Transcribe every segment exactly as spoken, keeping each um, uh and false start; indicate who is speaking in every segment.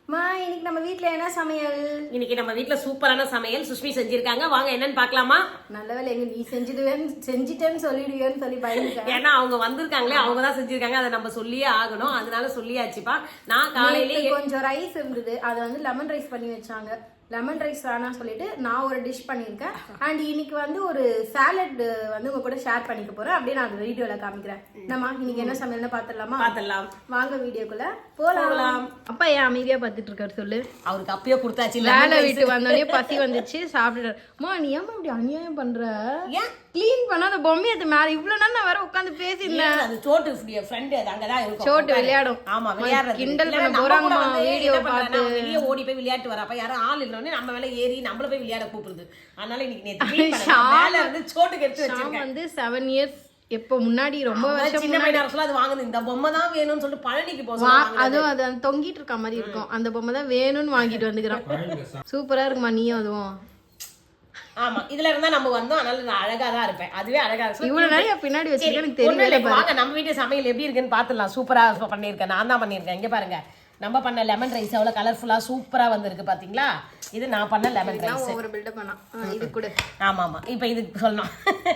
Speaker 1: மா இன்னைக்கு நம்ம வீட்ல என்ன சமையல்?
Speaker 2: இன்னைக்கு நம்ம வீட்ல சூப்பரான சமையல் சுஷ்மி செஞ்சிருக்காங்க. வாங்க என்னன்னு பார்க்கலாமா?
Speaker 1: நல்ல வேளை எங்க நீ செஞ்சிடுவேன் செஞ்சிட்டேன்னு சொல்லிடுவேன்னு சொல்லி பயந்துட்டேன்.
Speaker 2: ஏன்னா அவங்க வந்திருக்காங்களே, அவங்க தான் செஞ்சிருக்காங்க, அதை நம்ம சொல்லியே ஆகணும். அதனால சொல்லியாச்சுப்பா. நான் காலையில
Speaker 1: கொஞ்சம் ரைஸ் இருந்தது, அதை வந்து லெமன் ரைஸ் பண்ணி வச்சாங்க. லெமன் ரைஸ் வேணாம் சொல்லிட்டு நான் ஒரு டிஷ் பண்ணியிருக்கேன். அண்ட் இன்னைக்கு வந்து ஒரு சாலட் வந்து உங்க கூட ஷேர் பண்ணிக்க போறேன். அப்படியே நான் அந்த வீடியோல காமிக்கிறேன். நம்ம இன்னைக்கு என்ன சமையல்னு பாத்துடலாமா?
Speaker 2: பாத்துடலாம்
Speaker 1: வாங்க வீடியோக்குள்ள போலாம். அப்பா ஏன் அமைதியா பாத்துட்டு இருக்காரு சொல்லு.
Speaker 2: அவருக்கு அப்பயே கொடுத்தாச்சு.
Speaker 1: வேலை விட்டு வந்தோடனே பசி வந்துச்சு, சாப்பிட்டுட்டாரு. மா நீ ஏமா இப்படி அநியாயம் பண்ற?
Speaker 2: ஏன்
Speaker 1: கிளீன் பண்ணாத பொம்மையை அது மேல இவ்வளவு நேரம் நான் வேற உட்கார்ந்து பேசியிருந்தேன்.
Speaker 2: அது சோட்டு ஃப்ரெண்ட், அது அங்கதான் இருக்கும்.
Speaker 1: சோட்டு விளையாடும்.
Speaker 2: ஆமா, விளையாடுறது.
Speaker 1: கிண்டல் பண்ண போறாங்கமா வீடியோ பார்த்து.
Speaker 2: வெளியே ஓடி போய் விளையாட்டு வரப்ப யாரும் ஆள் இல்லனே நம்ம மேல ஏறி நம்மள போய் விளையாட கூப்பிடுது. அதனால இன்னைக்கு நேத்து க்ளீன் பண்ணேன். மேல இருந்து சோட்டுக்கு எடுத்து வச்சிருக்கேன். வந்து seven years எப்போ முன்னாடி ரொம்ப வருஷம் சின்ன பையனா சொல்ல அது வாங்குது. இந்த பொம்மை தான் வேணும்னு சொல்லிட்டு பழனிக்கு போறோம்.
Speaker 1: அதுவும் அது தொங்கிட்டு இருக்க மாதிரி இருக்கும். அந்த பொம்மை தான் வேணும்னு வாங்கிட்டு வந்துக்கிறோம். சூப்பரா இருக்குமா நீயும் அதுவும்?
Speaker 2: ஆமா, இதுல இருந்தா நம்ம வந்தோம். அதனால நான் அழகா தான் இருப்பேன். அதுவே அழகா இருக்கு.
Speaker 1: இவ்வளவு நேரம் பின்னாடி வச்சிருக்கேன், எனக்கு தெரியல.
Speaker 2: வாங்க நம்ம வீட்டு சமையல் எப்படி இருக்குன்னு பாத்துடலாம். சூப்பரா பண்ணிருக்கேன், நான் தான் பண்ணிருக்கேன். இங்க பாருங்க, நம்ம பண்ண லெமன் ரைஸ் எவ்வளவு கலர்ஃபுல்லா சூப்பரா வந்திருக்கு பாத்தீங்களா? இது நான் பண்ண லெமன் ரைஸ்.
Speaker 1: ஒரு பில்ட் பண்ணா இது கூட.
Speaker 2: ஆமா ஆமா, இப்போ இது சொல்லணும்.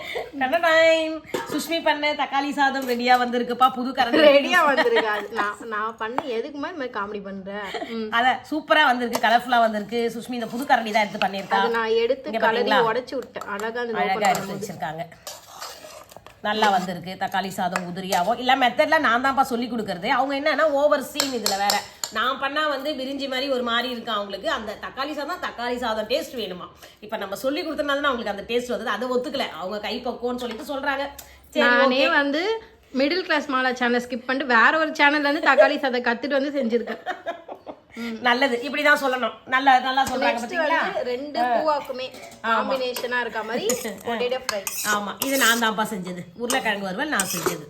Speaker 2: சுஷ்மி பண்ண தக்காளி சாதம் ரெடியா வந்திருக்குப்பா. புது கரண்டி
Speaker 1: ரெடியா வந்திருக்கு. நான் நான் பண்ண எதுக்கு மாதிரி காமெடி பண்றேன்.
Speaker 2: அத சூப்பரா வந்திருக்கு, கலர்ஃபுல்லா வந்திருக்கு. சுஷ்மி இந்த புது கரண்டி தான் எடுத்து பண்ணிருக்கா.
Speaker 1: நான் எடுத்து கலரி உடைச்சு விட்டேன். அழகா
Speaker 2: அழகா எடுத்து வச்சிருக்காங்க. நல்லா வந்திருக்கு. தக்காளி சாதம் உதிரியாவோ இல்ல மெத்தட்ல நான் தான்ப்பா சொல்லி கொடுக்கறது. அவங்க என்னன்னா ஓவர் சீன். இதுல வேற நான் பண்ணா வந்து விரிஞ்சி மாதிரி ஒரு மாதிரி இருக்கு அவங்களுக்கு. அந்த தக்காளி சாதம் தக்காளி சாதம் டேஸ்ட் வேணுமா. இப்ப நம்ம சொல்லி கொடுத்தனால அவங்களுக்கு அந்த டேஸ்ட் வந்தது. அதை ஒத்துக்கல அவங்க கை பக்குவம்னு சொல்லிட்டு சொல்றாங்க.
Speaker 1: நானே வந்து மிடில் கிளாஸ் மாலா சேனல் ஸ்கிப் பண்ணிட்டு வேற ஒரு சேனல்ல இருந்து தக்காளி சாதம் கத்துட்டு வந்து செஞ்சிருக்கேன்.
Speaker 2: நல்லது, இப்படிதான் சொல்லணும். நல்லா நல்லா சொல்றாங்க பாத்தீங்களா?
Speaker 1: ரெண்டு பூவாக்குமே காம்பினேஷனா இருக்க மாதிரி பொட்டேட்டோ ஃப்ரை.
Speaker 2: ஆமா, இது நான் தான்ப்பா செஞ்சது. உருளைக்கிழங்கு வறுவல் நான் செஞ்சது.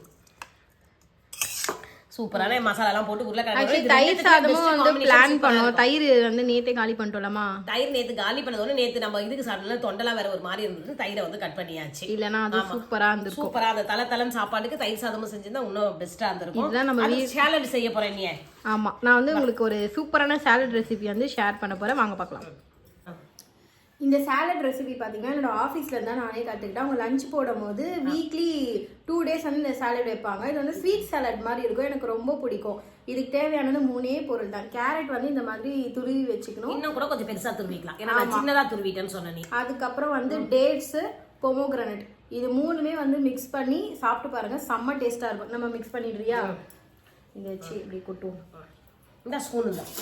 Speaker 2: சூப்பரான மசாலா எல்லாம் போட்டு உருளைக்கிழங்கு.
Speaker 1: தயிர் சாதமும் வந்து பிளான் பண்ணோம். தயிர் வந்து நேத்தே காலி பண்ணிட்டோம்மா.
Speaker 2: தயிர் நேத்து காலி பண்ணதோட நேத்து நம்ம இதுக்கு சாப்பிடல, தொண்டெல்லாம் வேற ஒரு மாதிரி இருந்தது. தயிரை வந்து கட் பண்ணியாச்சு.
Speaker 1: இல்லனா அது சூப்பரா இருந்துச்சு.
Speaker 2: சூப்பரா அந்த தல தலன் சாப்பாடுக்கு தயிர் சாதமும் செஞ்சிருந்தா இன்னும் பெஸ்டா இருந்திருக்கும். இதான் நம்ம சாலட் செய்ய போறேன். நீ
Speaker 1: ஆமா, நான் வந்து உங்களுக்கு ஒரு சூப்பரான சாலட் ரெசிபி வந்து ஷேர் பண்ண போறேன். வாங்க பார்க்கலாம். இந்த சாலட் ரெசிபி பார்த்தீங்கன்னா என்னோட ஆஃபீஸில் தான் நானே கற்றுக்கிட்டேன். அவங்க லஞ்ச் போடும் போது வீக்லி டூ டேஸ் வந்து இந்த சாலட் வைப்பாங்க. இது வந்து ஸ்வீட் சாலட் மாதிரி இருக்கும். எனக்கு ரொம்ப பிடிக்கும். இதுக்கு தேவையானது மூணே பொருள் தான். கேரட் வந்து இந்த மாதிரி துருவி வச்சுக்கணும்.
Speaker 2: இன்னும் கூட கொஞ்சம் பெருசாக துருவிக்கலாம், ஏன்னா சின்னதாக துருவிட்டேன்னு சொன்னேன்.
Speaker 1: அதுக்கப்புறம் வந்து டேட்ஸு, பொமோகிரானட், இது மூணுமே வந்து மிக்ஸ் பண்ணி சாப்பிட்டு பாருங்க, செம்ம டேஸ்ட்டாக இருக்கும். நம்ம மிக்ஸ் பண்ணிடுறியா? இதை வச்சு இப்படி கொட்டுவோம்.
Speaker 2: இந்த ஸ்பூன் தான்.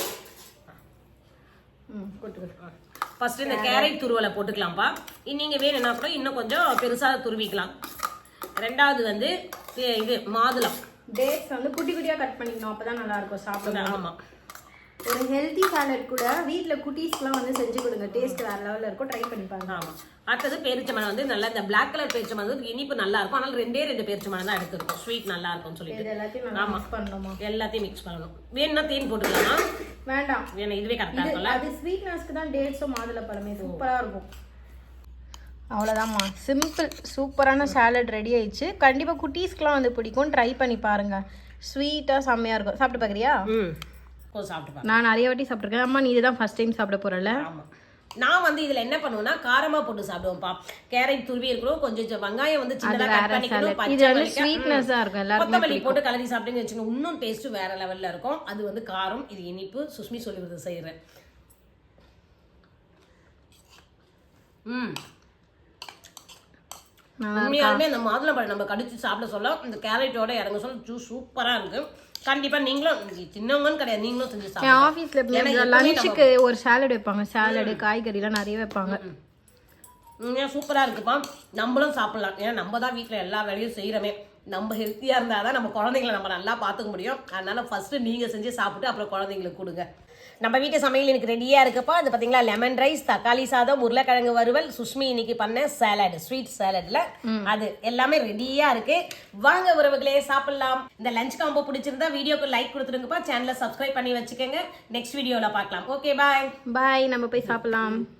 Speaker 1: ம் கொட்டுக்க.
Speaker 2: ஃபர்ஸ்ட் இந்த கேரட் துருவலை போட்டுக்கலாம்ப்பா. நீங்கள் வேணும்னா கூட இன்னும் கொஞ்சம் பெருசாக துருவிக்கலாம். ரெண்டாவது வந்து இது மாதுளம்.
Speaker 1: டேட்ஸ் வந்து குட்டி குட்டியாக கட் பண்ணிக்கணும், அப்போ தான் நல்லாயிருக்கும் சாப்பிட.
Speaker 2: ஆமாம்,
Speaker 1: ஒரு ஹெல்த்தி சாலட் கூட வீட்டில் குட்டீஸ்க்குலாம் வந்து செஞ்சு கொடுங்க. டேஸ்ட் வேறு லெவலில் இருக்கும், ட்ரை பண்ணி பாருங்க.
Speaker 2: ஆமாம். அடுத்தது பேரிச்சம்பழம் வந்து நல்லா இந்த பிளாக் கலர் பேரிச்சம்பழம் வந்து இனிப்பு நல்லா இருக்கும். அதனால ரெண்டே ரெண்டு பேரிச்சம்பழம் தான் எடுத்துருக்கும். ஸ்வீட் நல்லா இருக்கும்னு சொல்லிட்டு
Speaker 1: எல்லாத்தையும் மிக்ஸ் பண்ணணுமா?
Speaker 2: எல்லாத்தையும் மிக்ஸ் பண்ணணும். வேணும்னா தேன் போட்டுக்கலாமா?
Speaker 1: வேண்டாம்,
Speaker 2: வேணும், இதுவே கரெக்டாக இருக்கும்ல.
Speaker 1: அது ஸ்வீட்னஸ்க்கு தான் டேட்ஸும் மாதுளப்பழமே சூப்பராக இருக்கும். அவ்வளோதாம்மா, சிம்பிள் சூப்பரான சாலட் ரெடி ஆயிடுச்சு. கண்டிப்பாக குட்டீஸ்க்குலாம் வந்து பிடிக்கும், ட்ரை பண்ணி பாருங்க. ஸ்வீட்டாக செம்மையாக இருக்கும். சாப்பிட்டு பார்க்குறியா?
Speaker 2: ம், சாப்பிட்டு.
Speaker 1: நான் நிறைய வாட்டி சாப்பிட்ருக்கேன். அம்மா நீ இதுதான் ஃபர்ஸ்ட் டைம் சாப்பிட போறல?
Speaker 2: ஆமாம். நான் வந்து இதுல என்ன பண்ணுவேன்னா காரமா போட்டு சாப்பிடுவோம்ப்பா. கேரட் துருவி இருக்கணும், கொஞ்சம் வெங்காயம் வந்து சின்னதா கட் பண்ணிக்கணும், பச்சை மிளகாய் ஸ்வீட்னஸா இருக்கும், எல்லாரும் கொத்தமல்லி போட்டு கலரி சாப்பிட்டீங்கன்னு வெச்சுங்க, இன்னும் டேஸ்ட் வேற லெவல்ல இருக்கும். அது வந்து காரம், இது இனிப்பு. சுஷ்மி சொல்லி கொடுத்து செய்யறேன். ம், உண்மையாலுமே அந்த மாதுளம்பழம் நம்ம கடிச்சு சாப்பிட சொல்ல இந்த கேரட்டோட இறங்க சொல்ல ஜூஸ் சூப்பரா இருக்கு. கண்டிப்பா நீங்களும் சின்னவங்கன்னு கிடையாது, நீங்களும் செஞ்சு சாப்பிடுங்க.
Speaker 1: ஆபீஸ்ல லஞ்சுக்கு ஒரு சாலட் வைப்பாங்க. சாலட் காய்கறி எல்லாம் நிறைய வைப்பாங்க.
Speaker 2: உண்மையா சூப்பரா இருக்குப்பா. நம்மளும் சாப்பிடலாம். ஏன்னா நம்ம தான் வீட்டுல எல்லா வேலையும் செய்யறோமே. நம்ம ஹெல்த்தியா இருந்தாதான் நம்ம குழந்தைங்களை நம்ம நல்லா பாத்துக்க முடியும். அதனால ஃபர்ஸ்ட் நீங்க செஞ்சு சாப்பிட்டு அப்புறம் குழந்தைங்களுக்கு கொடுங்க. நம்ம வீட்டு சமையல் எனக்கு ரெடியா இருக்குப்பா. அது பாத்தீங்களா, லெமன் ரைஸ், தக்காளி சாதம், உருளைக்கிழங்கு வறுவல், சுஷ்மி இன்னைக்கு பண்ண சாலட், ஸ்வீட் சாலட்ல அது எல்லாமே ரெடியா இருக்கு. வாங்க உறவுகளே சாப்பிடலாம். இந்த லஞ்ச் காம்போ பிடிச்சிருந்தா வீடியோக்கு லைக் கொடுத்துருங்கப்பா. சேனலை சப்ஸ்கிரைப் பண்ணி வச்சுக்கோங்க. நெக்ஸ்ட் வீடியோல பார்க்கலாம். Okay, bye
Speaker 1: bye. நம்ம போய் சாப்பிடலாம்.